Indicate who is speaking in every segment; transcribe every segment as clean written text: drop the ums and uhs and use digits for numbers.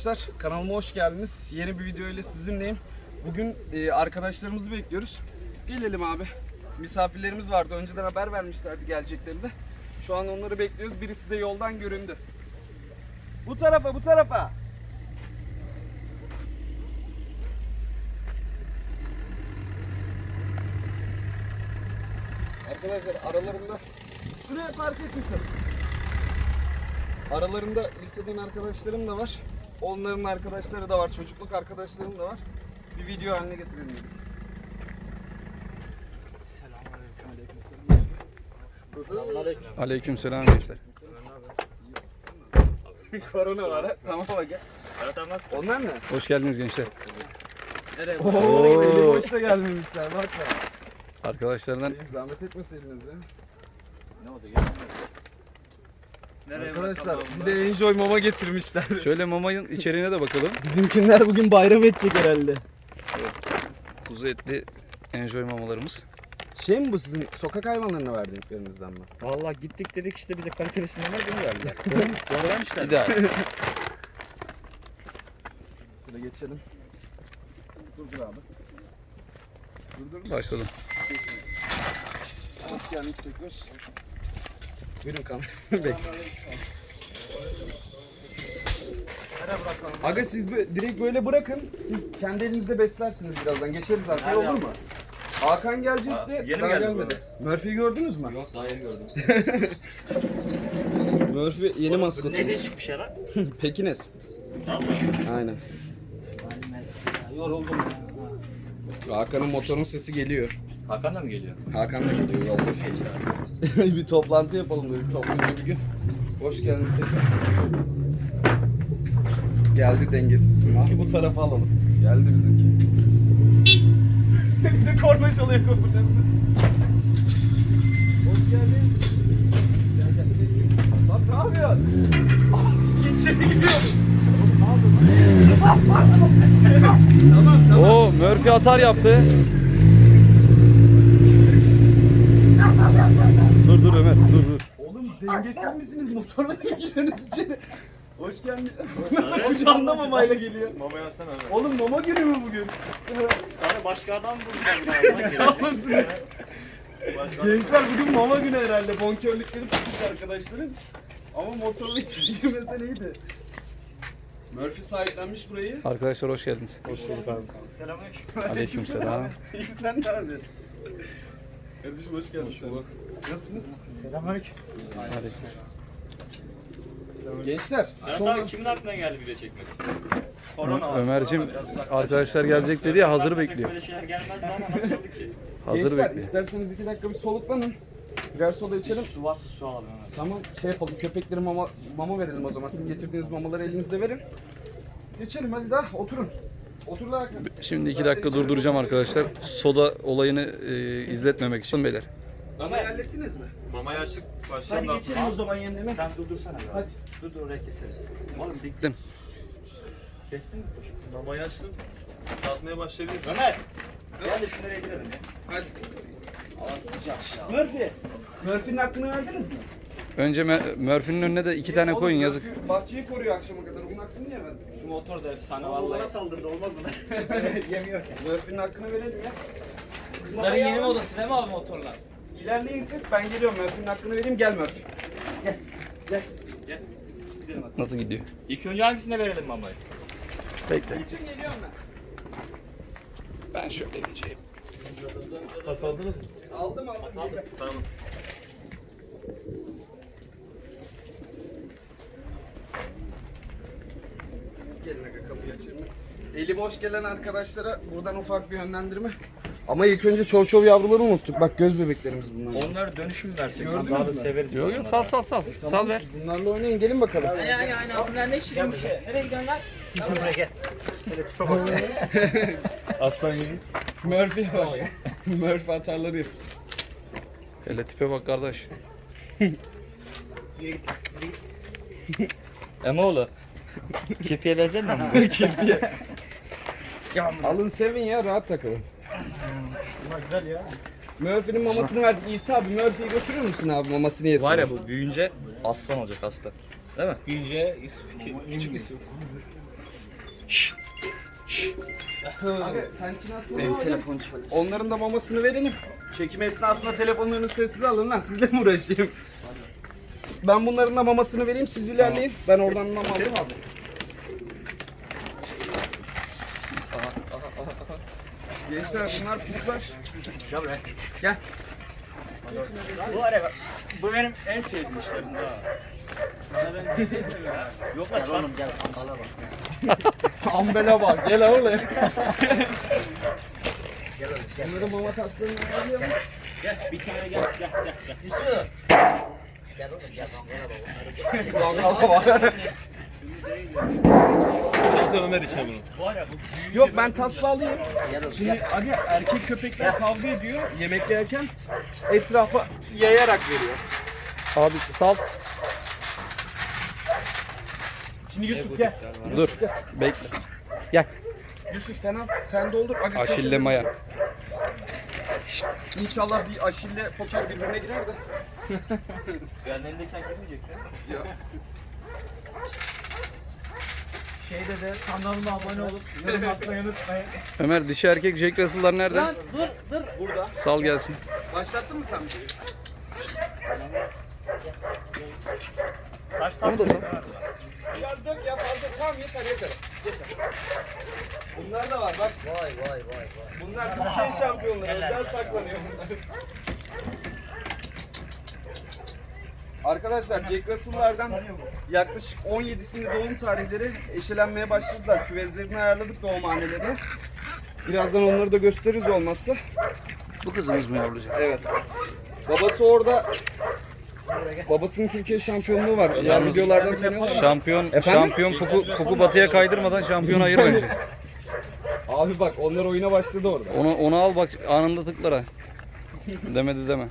Speaker 1: arkadaşlar, kanalıma hoş geldiniz. Yeni bir video ile sizinleyim. Bugün arkadaşlarımızı bekliyoruz. Gelelim abi. Misafirlerimiz vardı. Önceden haber vermişlerdi geleceklerini de. Şu an onları bekliyoruz. Birisi de yoldan göründü. Bu tarafa, bu tarafa. Arkadaşlar aralarında şuraya park etmişsin. Aralarında liseden arkadaşlarım da var. Onların arkadaşları da var. Çocukluk arkadaşlarım da var. Bir video haline getirelim dedim.
Speaker 2: Selamünaleyküm. Aleykümselam gençler.
Speaker 1: Korona var ha. Tamam bak gel. Onlar ne?
Speaker 2: Hoş geldiniz gençler.
Speaker 1: Nereye? Ooo, eli boşta gelmemişler. Bak bak.
Speaker 2: Arkadaşlardan
Speaker 1: Zahmet etmeseydiniz ya.
Speaker 3: Ne oldu ya?
Speaker 1: Arkadaşlar bir de Enjoy mama getirmişler.
Speaker 2: şöyle mamayın içeriğine de bakalım.
Speaker 3: Bizimkinler bugün bayram edecek herhalde.
Speaker 2: Kuzu etli enjoy mamalarımız.
Speaker 1: Şey mi bu sizin sokak hayvanlarına verdiklerinizden mi?
Speaker 3: Vallahi gittik dedik işte bize kalitesinden var bunu verdiler. Doğrudan işte.
Speaker 2: İdeal.
Speaker 1: Şöyle geçelim. Dur abi. Dur.
Speaker 2: Başladım.
Speaker 1: Hoş geldiniz tekrar. Buyurun kamera. Bekle. Aga siz direkt böyle bırakın. Siz kendi elinizde beslersiniz birazdan. Geçeriz arkaya, olur mu? Hakan gelecekti.
Speaker 3: Yeni
Speaker 1: daha
Speaker 3: mi geldi
Speaker 1: gelmedi. Murphy'yi gördünüz mü?
Speaker 3: Yok daha yeni gördüm.
Speaker 1: Murphy yeni maskotumuz.
Speaker 3: Ne değişik bir şey lan?
Speaker 1: Pekines. Aynen.
Speaker 3: Yoruldum ya.
Speaker 1: Hakan'ın motorun sesi geliyor.
Speaker 3: Hakan da mı geliyor?
Speaker 1: Hakan da geliyor yolda şey. Bir toplantı yapalım dedik topluca bir gün. Hoş geldiniz tekrar. Geldi dengesiz bir abi bu tarafa alalım. Geldi bizimki. Bir de korna çalıyor kapıda. Hoş geldin. Gel. Lan ne yapıyorsun? İçeri gidiyorum. Tamam.
Speaker 2: Oo, Murphy atar yaptı. Dur Ömer, dur.
Speaker 1: Oğlum dengesiz misiniz? Motorla mı giriyorsunuz içeri? Hoş geldin. Kucağında mamayla geliyor.
Speaker 3: Mama yazsana abi.
Speaker 1: Oğlum mama günü mü bugün?
Speaker 3: Sana başka adam bulacağım.
Speaker 1: Sağ olasınız. Gençler bugün mama günü herhalde. Bonkörlükleri tutmuş arkadaşların. Ama motorla içeri girmese neydi? Murphy sahiplenmiş burayı.
Speaker 2: Arkadaşlar hoş geldiniz.
Speaker 3: Hoş bulduk abi. Selamünaleyküm.
Speaker 2: Aleykümselam.
Speaker 1: İyi sen ne yapıyorsun? Kardeşim hoş geldin. Nasılsınız?
Speaker 3: Selamünaleyküm.
Speaker 1: Gençler
Speaker 3: Arat abi kimin aklına geldi video çekmek? Korona var.
Speaker 2: Ömer'cim
Speaker 3: Biraz uzaklaştık.
Speaker 2: arkadaşlar gelecek dedi ya, hazır bekliyor.
Speaker 3: Böyle şeyler gelmezdi ama nasıl oldu ki?
Speaker 2: Hazır
Speaker 1: Gençler
Speaker 2: bekliyor.
Speaker 1: isterseniz 2 dakika bir soluklanın. Birer soda içelim.
Speaker 3: Su varsa su alalım hemen.
Speaker 1: Tamam şey yapalım, köpekleri mama verelim o zaman. Siz getirdiğiniz mamaları elinizde verin. Geçelim hadi daha oturun. Otur da Hakan.
Speaker 2: Şimdi 2 dakika durduracağım arkadaşlar. Soda olayını izletmemek için beyler.
Speaker 1: Mamayı hallettiniz mi?
Speaker 3: Mamayı açtık.
Speaker 1: Hadi geçelim o zaman yerine.
Speaker 3: Sen durdursana.
Speaker 1: Hadi.
Speaker 3: Dur oraya keseriz. Oğlum dik.
Speaker 2: Gittim.
Speaker 3: Kestin mi?
Speaker 4: Mamayı açtım. Tatmaya başlayabilir.
Speaker 3: Ömer! Gel de şunları gidelim ya.
Speaker 1: Hadi. Murphy. Murphy'nin hakkını verdiniz mi?
Speaker 2: Önce Murphy'nin önüne de 2 tane
Speaker 1: Oğlum,
Speaker 2: koyun, yazık.
Speaker 1: Murphy bahçeyi koruyor akşama kadar. Bunun hakkını niye verdin?
Speaker 3: Şu motor da efsane vallahi.
Speaker 4: saldırdı olmaz mı?
Speaker 3: Yemiyor.
Speaker 1: Murphy'nin hakkını verelim ya.
Speaker 3: Sizlerin yeni modası değil mi abi motorlar?
Speaker 1: İlerleyin siz, ben geliyorum. Murphy'nin hakkını vereyim. Gel Murphy. Gel. Gel.
Speaker 3: Gidelim hadi.
Speaker 2: Nasıl gidiyor?
Speaker 3: İlk önce hangisine verelim mamayı?
Speaker 2: Bekle.
Speaker 1: İçin geliyorum ben.
Speaker 2: Ben şöyle geçeyim.
Speaker 4: Pas aldınız mı?
Speaker 1: Aldım.
Speaker 4: Tamam.
Speaker 1: Gelin aga kapıyı açayım ben. Eli boş gelen arkadaşlara buradan ufak bir yönlendirme. Ama ilk önce çov yavruları unuttuk. Bak göz bebeklerimiz bunlar.
Speaker 3: Onları dönüşüm versek.
Speaker 1: Gördünüz
Speaker 3: Daha da
Speaker 1: mü?
Speaker 3: severiz.
Speaker 2: Yok yok, sal. Sal ver.
Speaker 1: Bunlarla oynayın, gelin bakalım.
Speaker 3: Aynen. Bunlar ne şirin bir şey. Nereye gidiyorsun lan? Buraya gel.
Speaker 4: Aslan gibi.
Speaker 1: Murphy var. Murphy atarları yap.
Speaker 2: Hele tipe bak kardeş.
Speaker 3: Emoğlu. Kirpiye benzemiyor mu?
Speaker 1: Alın sevin ya, rahat takılın.
Speaker 4: Bunlar güzel ya.
Speaker 1: Murphy'nin mamasını verdik. İsa abi Murphy'yi götürür müsün abi, mamasını yesin?
Speaker 3: Var ya bu büyüyünce aslan olacak aslan. Değil mi?
Speaker 4: Büyüyünce küçük Yusuf.
Speaker 1: Abi sanki nasıl? Benim telefon çalıyor. Onların da mamasını verelim. Çekim esnasında telefonlarını sessiz alın lan. Sizle mi uğraşayım? Ben bunların da mamasını vereyim. Siz ilerleyin. Ben oradan mama alayım abi. Gençler bunlar kurtlar.
Speaker 4: Gel buraya.
Speaker 1: Gel.
Speaker 3: Bu araba. Bu benim en sevdiğim işlerim ha. Yok lan oğlum gel ambala bak.
Speaker 1: Ambele bak. Gel oğlum. Bunların mama taslarını alıyor mu?
Speaker 3: Gel bir tane gel.
Speaker 5: Gel oğlum gel mangala bak.
Speaker 1: Mangala bak.
Speaker 4: Çanta Ömer içe bunu.
Speaker 3: Bu araba bu büyüğü.
Speaker 1: Yok ben tasla alayım. Şimdi abi erkek köpekler kavga ediyor yemek yerken etrafa yayarak veriyor.
Speaker 2: Abi sal.
Speaker 1: Şimdi Yusuf gel.
Speaker 2: Dur. Bekle. Gel.
Speaker 1: Yusuf sen al. Sen doldur. Aga,
Speaker 2: Aşille maya.
Speaker 1: İnşallah bir aşille poker birbirine girer de.
Speaker 3: Yerlerindeyken girmeyecek ya.
Speaker 1: Ya.
Speaker 3: Şeyde de kanalıma abone olup yorum atmayı unutmayın.
Speaker 2: Ömer dişi erkek Jack Russell'lar nerede?
Speaker 3: Dur.
Speaker 1: Burada.
Speaker 2: Sal gelsin.
Speaker 1: Başlattın mı sen bir şey?
Speaker 3: Kaç
Speaker 2: Onu da sal.
Speaker 1: Biraz dök ya fazla. Tamam yeter. Yeter. Bunlar da var bak.
Speaker 5: Vay.
Speaker 1: Bunlar Türkiye şampiyonları. Özel saklanıyor bunlar. Arkadaşlar Jack Russell'lardan yaklaşık 17'sinde doğum tarihleri eşelenmeye başladılar. Küvezlerini ayarladık doğumhanelerini. Birazdan onları da gösteririz olmazsa.
Speaker 2: Bu kızımız mı yavrucak?
Speaker 1: Evet. Babası orada. Babasının Türkiye şampiyonluğu var. Yani
Speaker 2: Yalnız-
Speaker 1: videolardan tanıyorlar.
Speaker 2: Şampiyon puku batıya kaydırmadan şampiyon ayır bence.
Speaker 1: Abi bak onlar oyuna başladı orada.
Speaker 2: Onu al bak anında tıklar ha. Demedi deme.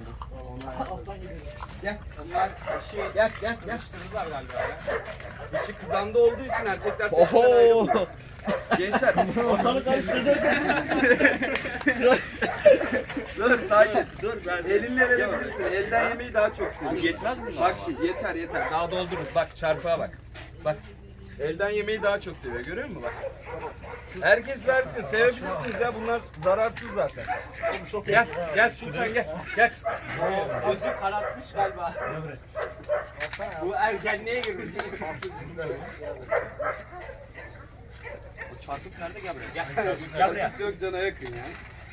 Speaker 1: Gel. Onlar gel. Yapıştırdılar galiba ya. Dişi kızanda olduğu için erkekler peşinden ayrılmıyor. Gençler.
Speaker 3: Ortalık karıştırdı.
Speaker 1: Dur sakin. Dur ben. Elinle verebilirsin. Elden yemeyi daha çok seviyorum.
Speaker 3: Yetmez mi?
Speaker 1: Bak şimdi yeter. Daha doldururuz. Bak çarpığa bak. Bak. Elden yemeyi daha çok seviyor. Görüyor musun bak? Herkes versin. Sevebilirsiniz ya. Bunlar zararsız zaten. Gel Sultan gel. Gel kız.
Speaker 3: Gözü karartmış galiba.
Speaker 1: Bu ergenliğe girmiş.
Speaker 3: O çarpık nerede gel buraya. Gel buraya.
Speaker 1: Çok cana yakın ya.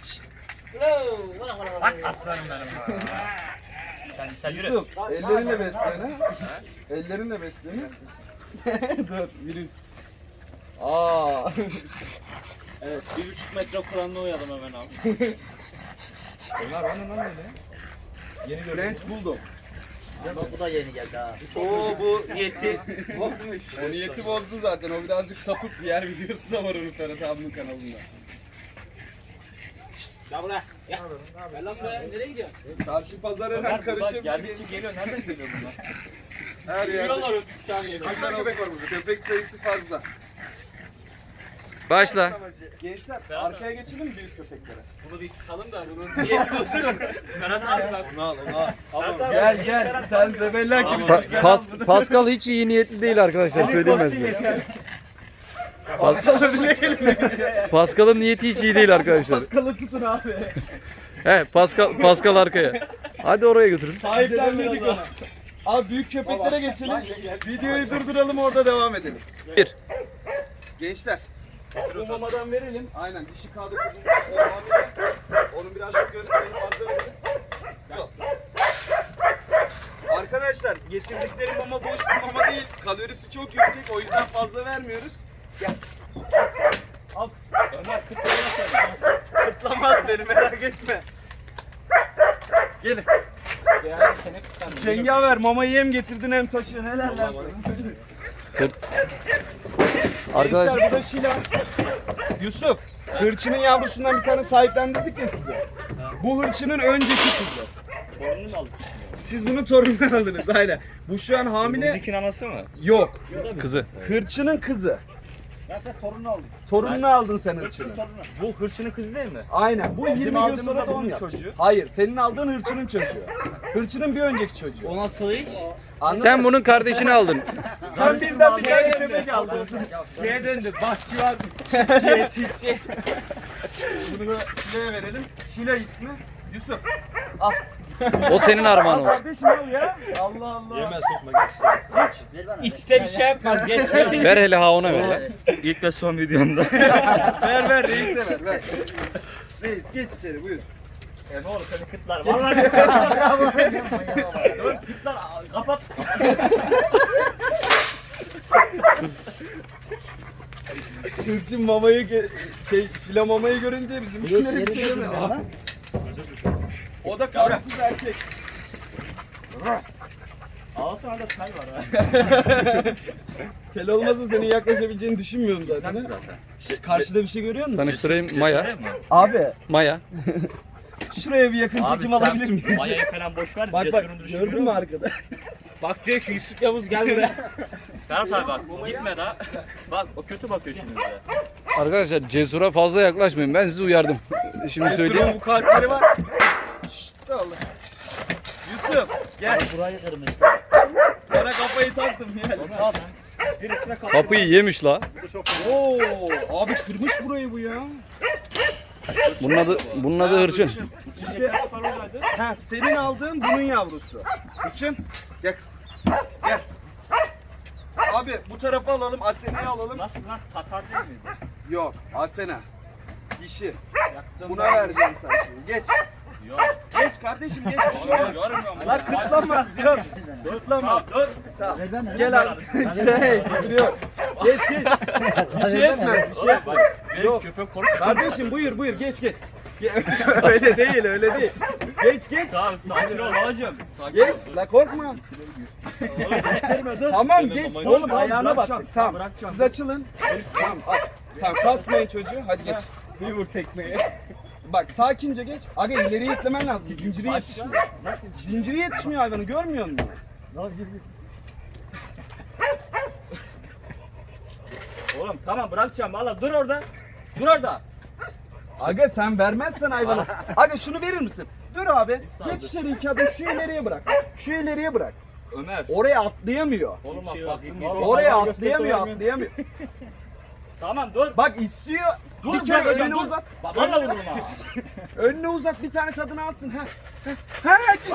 Speaker 3: Bak aslanım benim. Sen yürü.
Speaker 1: Yusuf, ellerinle beslene. Ellerinle beslene. Dur, virüs. Aa.
Speaker 3: Evet 1,5 metre kuralına uyalım hemen abi.
Speaker 1: Onlar bana lan öyle. Yeni French Bulldog.
Speaker 5: Bak bu da yeni geldi ha.
Speaker 3: Oo bu niyeti bozmuş.
Speaker 1: O niyeti bozdu zaten. O birazcık sapık. Diğer videosu da var onun Ferhat abinin kanalında.
Speaker 3: Gel buraya. Gel. Gel lan buraya. Nereye gidiyorsun?
Speaker 1: Karşı pazar her an karışıp
Speaker 3: Geldikçe geliyor. Nereden geliyor bunlar?
Speaker 1: her yerde.
Speaker 3: Yürüyorlar 30 saniye.
Speaker 1: Kaç tane köpek var burada? Köpek sayısı fazla.
Speaker 2: Başla.
Speaker 1: Gençler arkaya geçelim mi büyük köpeklere?
Speaker 3: Bunu bir tutalım da bunun niyeti olsun. Ferhat abi lan. Onu al.
Speaker 1: Gel. Sen zebellak gibisin.
Speaker 2: Pascal hiç iyi niyetli değil arkadaşlar söyleyeyim ben size. Pascal'ın niyeti hiç iyi değil arkadaşlar.
Speaker 1: Paskalı tutun abi.
Speaker 2: He Pascal arkaya. Hadi oraya götürün.
Speaker 1: Sahiplendirdik onu. Abi büyük köpeklere geçelim. Videoyu durduralım orada devam edelim.
Speaker 2: Bir.
Speaker 1: Gençler. Bu mamadan verelim. Aynen dişi kağıdı kuzumuz. Onu birazcık gösterelim. Fazla verelim. Yok. Arkadaşlar getirdikleri mama boş bir mama değil. Kalorisi çok yüksek o yüzden fazla vermiyoruz. Gel. Al kız.
Speaker 3: Ömer kıtlarına
Speaker 1: Kıtlamaz beni merak etme. Gelin.
Speaker 3: Yani seni kıtlarına.
Speaker 1: Cengaver mamayı hem getirdin hem taşıyorsun. Helal lan sana.
Speaker 2: Arkadaşlar
Speaker 1: Gençler bu da Şila. Yusuf, hırçının yavrusundan bir tane sahiplendirdik ya size. Bu hırçının önceki kızı.
Speaker 3: Torununu mu aldın?
Speaker 1: Siz bunu torundan aldınız aynen. Bu şu an hamile.
Speaker 3: Müzikin anası mı?
Speaker 1: Yok.
Speaker 2: kızı.
Speaker 1: Hırçının kızı.
Speaker 3: Ben sen torununu aldım.
Speaker 1: Torununu aldın sen hırçının.
Speaker 3: Bu hırçının kızı değil mi?
Speaker 1: Aynen. Bu 20 gün
Speaker 3: aldığımız
Speaker 1: sonra
Speaker 3: da
Speaker 1: doğum
Speaker 3: bunun
Speaker 1: yapacak.
Speaker 3: çocuğu.
Speaker 1: Hayır, senin aldığın hırçının çocuğu. Hırçının bir önceki çocuğu.
Speaker 3: O nasıl iş?
Speaker 2: Sen bunun kardeşini aldın.
Speaker 1: Sen bizden bir tane köpek aldın. Şeye döndü. Bahçı var. Çiftçi. Bunu da Şile'ye verelim. Şile ismi. Yusuf.
Speaker 2: O senin armağan olsun.
Speaker 1: Kardeşim al ya. Allah Allah.
Speaker 4: Yemez sokma geç.
Speaker 5: Ver bana.
Speaker 3: İçte bir şey yapmaz. Geç.
Speaker 2: Ver hele ha ona ver lan.
Speaker 3: İlk ve son videomda.
Speaker 1: Ver reise ver. Reis geç içeri buyur.
Speaker 3: Ne olur seni kıtlar. Vallahi dur kıtlar kapat.
Speaker 1: Hırçın mamayı Şile mamayı görünce bizim içleri bir şey demiyor. O da karpuz erkek.
Speaker 3: Altı anda çay var ha.
Speaker 1: Tel olmasa senin yaklaşabileceğini düşünmüyorum zaten. Şşş, karşıda bir şey görüyor musun?
Speaker 2: Tanıştırayım Maya.
Speaker 1: Abi
Speaker 2: Maya.
Speaker 1: şuraya bir yakın çekim alabilir miyiz?
Speaker 3: Mayayı falan boş ver.
Speaker 1: Bak gördün mü arkada?
Speaker 3: Bak diyor ki Yusuf Yavuz gel buraya. Ferhat abi bak gitme daha. Bak o kötü bakıyor şimdi bize.
Speaker 2: Arkadaşlar Cesur'a fazla yaklaşmayın. Ben sizi uyardım. Şimdi söyleyeyim.
Speaker 1: Cesur'un bu kalpleri var. Şşt Allah. Yusuf gel.
Speaker 5: Burayı kırmış.
Speaker 1: Sana kafayı taktım gel. Al.
Speaker 3: Birisine kalk.
Speaker 2: Kapıyı yemiş la.
Speaker 1: Oo, abi kırmış burayı bu ya.
Speaker 2: Bunun adı hırçın.
Speaker 1: İşte ha, senin aldığın bunun yavrusu. Hırçın. Gel kızım. Gel. Abi bu tarafa alalım, Asena'yı alalım.
Speaker 3: Nasıl lan Tatar değil miydi?
Speaker 1: Yok, Asena. Dişi. Buna vereceksin sen şimdi. Geç.
Speaker 3: Yok.
Speaker 1: Geç kardeşim geç bir şey olmaz.
Speaker 3: Görmüyorum.
Speaker 1: Lan kırtlanmaz yok. Kırtlanmaz.
Speaker 3: Dur.
Speaker 1: Gel abi. Duruyor. Geç. Bir şey etmez. Bir şey etmez.
Speaker 3: Benim köpek korktu.
Speaker 1: Kardeşim buyur geç. Öyle değil. Geç.
Speaker 3: Tamam sakin ol babacım.
Speaker 1: Geç. La korkma. Tamam geç. Oğlum ayağına batacak. Tamam. Siz açılın. Tamam. Tamam kasmayın çocuğu. Hadi geç. Bir vur tekmeyi. Bak sakince geç. Aga ileriye itlemen lazım. Zinciri yetişmiyor. Zinciri yetişmiyor hayvanı görmüyor musun?
Speaker 3: Oğlum tamam bırakacağım valla dur orada. Dur orada.
Speaker 1: Aga sen vermezsen hayvanı. Aga şunu verir misin? Dur abi. Geç içeri 2 adım şu ileriye bırak.
Speaker 3: Ömer.
Speaker 1: Oraya atlayamıyor.
Speaker 3: Oğlum bak bakayım.
Speaker 1: Oraya atlayamıyor.
Speaker 3: Tamam dur.
Speaker 1: Bak istiyor.
Speaker 3: Dur,
Speaker 1: Bir kere
Speaker 3: dur hocam,
Speaker 1: önüne
Speaker 3: dur.
Speaker 1: uzat.
Speaker 3: Valla vururum ha.
Speaker 1: Önüne uzat bir tane tadını alsın. Ha.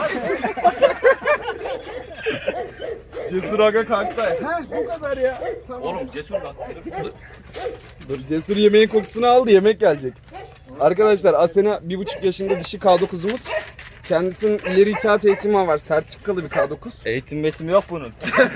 Speaker 1: Cesur aga kalktı. Ha bu kadar ya. Tamam.
Speaker 3: Oğlum cesur bak.
Speaker 1: Dur Cesur yemeğin kokusunu aldı, yemek gelecek. Arkadaşlar Asena 1,5 yaşında dişi K9'umuz. Kendisinin ileri itaat eğitimi var. Sertifikalı bir K9.
Speaker 3: Eğitim yok bunun.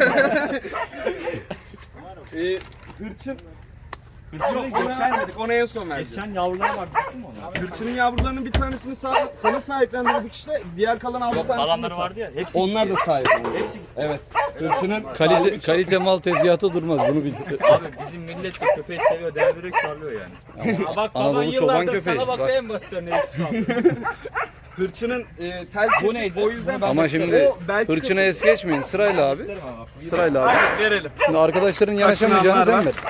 Speaker 1: Hırçın. Hırçını geçermedik. Onu en son vereceğiz.
Speaker 3: Geçen yavrular var değil mi ona?
Speaker 1: Hırçının yavrularının bir tanesini sana sahiplendirdik işte. Diğer kalan 6 tanesini de
Speaker 3: Kalanları vardı ya. Hepsi
Speaker 1: onlar da sahiplendi.
Speaker 3: Hepsi
Speaker 1: Evet. Hırçının
Speaker 2: Kalite mal tezgahı durmaz bunu bil.
Speaker 3: Abi bizim millet de köpeği seviyor, değer veriyor, karlıyor yani. Bak baban
Speaker 2: Anadolu çoban
Speaker 3: yıllardır
Speaker 2: köpeği.
Speaker 3: sana
Speaker 2: Bak.
Speaker 3: bakayım basıyor ne istiyor.
Speaker 1: Hırçının tel kesik
Speaker 3: neydi?
Speaker 1: o yüzden
Speaker 2: Ama şimdi
Speaker 1: o Belçika
Speaker 2: hırçına es geçmeyin. Sırayla abi. Sırayla abi.
Speaker 1: Hadi verelim.
Speaker 2: Şimdi arkadaşların yanaşamayacağını sen ver.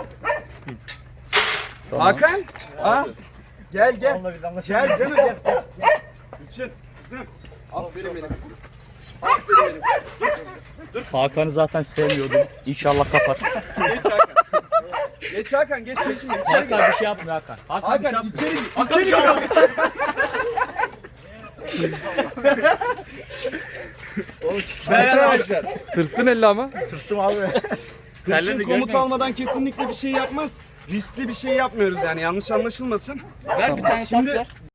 Speaker 2: Tamam.
Speaker 1: Hakan. Ha? Gel. Gel canım gel. Hırçın kızım. Aferin benim kızım. Aferin benim. Dur kızım.
Speaker 3: Hakan'ı zaten sevmiyordum. İnşallah kapar.
Speaker 1: Geç Hakan. Geç Hakan geç çekim. İçeri gir.
Speaker 3: Hakan bir şey yapmıyor Hakan. Hakan bir şey
Speaker 1: Hakan
Speaker 3: yapmıyor.
Speaker 1: içeri gir. Arkadaşlar
Speaker 2: Tırstın elle ama.
Speaker 1: Hırçın komut almadan kesinlikle bir şey yapmaz. Riskli bir şey yapmıyoruz yani yanlış anlaşılmasın.
Speaker 3: Ver bir tane
Speaker 1: Şimdi
Speaker 3: tas ver.